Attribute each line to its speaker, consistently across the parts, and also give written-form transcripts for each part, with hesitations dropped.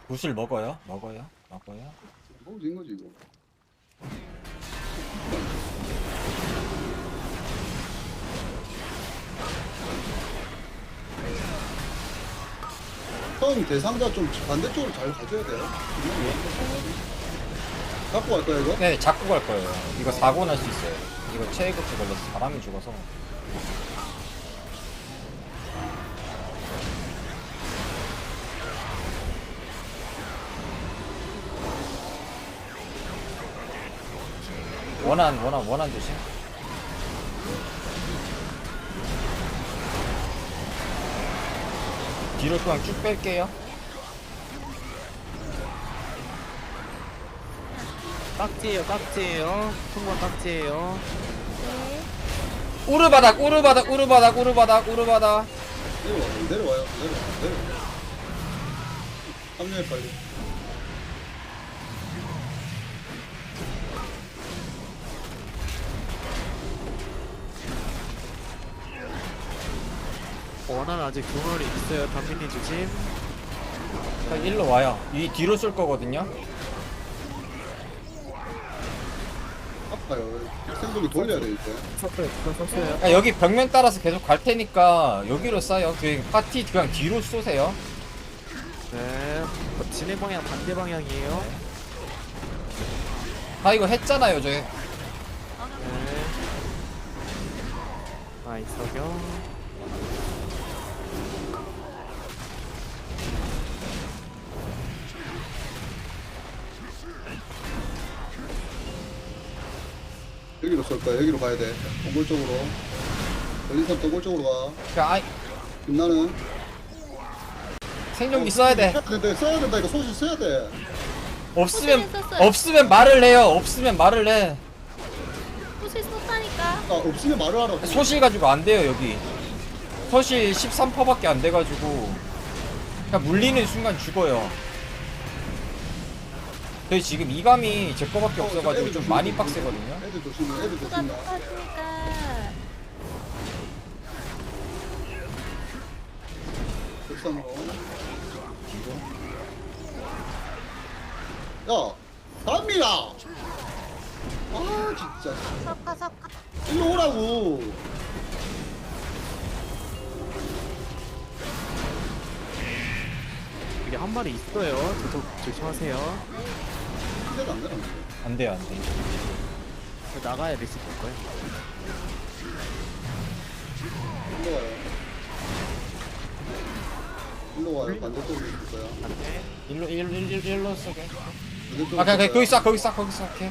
Speaker 1: 굿을 먹어요? 먹어요? 먹어요?
Speaker 2: 먹어도 된 거지 이거. 형 대상자 좀 반대쪽으로 잘 가줘야 돼요. 갖고 갈 거야 이거?
Speaker 1: 네, 잡고 갈 거예요. 이거 사고 날 수 있어요. 이거 체이급제 걸려서 사람이 죽어서. 원한 조심. 뒤로 그냥 쭉 뺄게요.
Speaker 3: 깍지예요, 깍지예요. 통과 깍지예요.
Speaker 4: 네.
Speaker 1: 우르바닥.
Speaker 2: 내려와요. 내려와. 합류해 빨리.
Speaker 3: 원한 아직 두 마리 있어요. 담민이 조심.
Speaker 1: 자, 일로 와요. 이 뒤로 쏠 거거든요.
Speaker 2: 아파요. 생존기 돌려야 돼 이제.
Speaker 3: 섰어요, 섰어요.
Speaker 1: 그러니까 여기 벽면 따라서 계속 갈 테니까 여기로 쏴요. 그 파티 그냥 뒤로 쏘세요.
Speaker 3: 네. 진행 방향 반대 방향이에요.
Speaker 1: 아 이거 했잖아요, 저희.
Speaker 3: 네. 이석영.
Speaker 2: 여기로 쏠 거야. 여기로 가야 돼. 동굴 쪽으로. 걸린선 동굴 쪽으로 가.
Speaker 1: 그러니까
Speaker 2: 빛나는.
Speaker 1: 생존기 써야 돼.
Speaker 2: 근데 써야 된다. 이거 소실 써야 돼.
Speaker 1: 없으면 말을 해요. 없으면 말을 해.
Speaker 4: 소실 썼다니까.
Speaker 2: 아 없으면 말을 하라고.
Speaker 1: 소실 가지고 안 돼요, 여기. 소실 13%밖에 안 돼가지고 그냥 물리는 순간 죽어요. 저희 지금 이감이 제 거밖에 없어가지고 좀 많이 빡세거든요.
Speaker 2: 애들 조심해. 애들
Speaker 4: 수가
Speaker 2: 조심해.
Speaker 4: 똑같으니까.
Speaker 2: 백산으로. 야, 담미야. 아 진짜.
Speaker 4: 섞어.
Speaker 2: 일로 오라고.
Speaker 3: 여기 한 마리 있어요. 저도 조심하세요.
Speaker 2: 기대도 안 되나?
Speaker 1: 안 돼요, 안 돼.
Speaker 3: 나가야 리스 볼 거예요.
Speaker 2: 일로 와요. 일로 와요. 반대쪽으로 있을 거야.
Speaker 3: 안돼.
Speaker 1: 일로 쏘게.
Speaker 2: 반대쪽으로
Speaker 1: 아, 그냥
Speaker 2: 있을
Speaker 1: 거기
Speaker 2: 거야.
Speaker 1: 쏴, 오케이.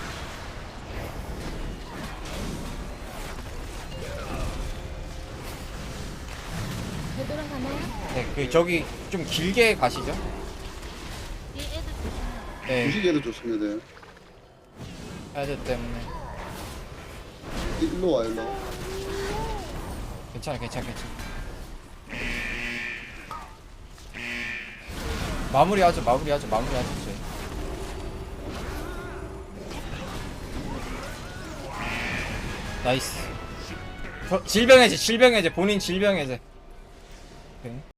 Speaker 4: 되돌아가나요?
Speaker 1: 네, 저기 좀 길게 가시죠.
Speaker 4: 이 애들 조심해.
Speaker 1: 네,
Speaker 2: 무시개도 조심해야 돼.
Speaker 1: 애들 때문에.
Speaker 2: 일로 와, 일로.
Speaker 1: 괜찮아. 마무리하죠, 저희. 나이스. 질병해제, 본인 질병해제. 오케이.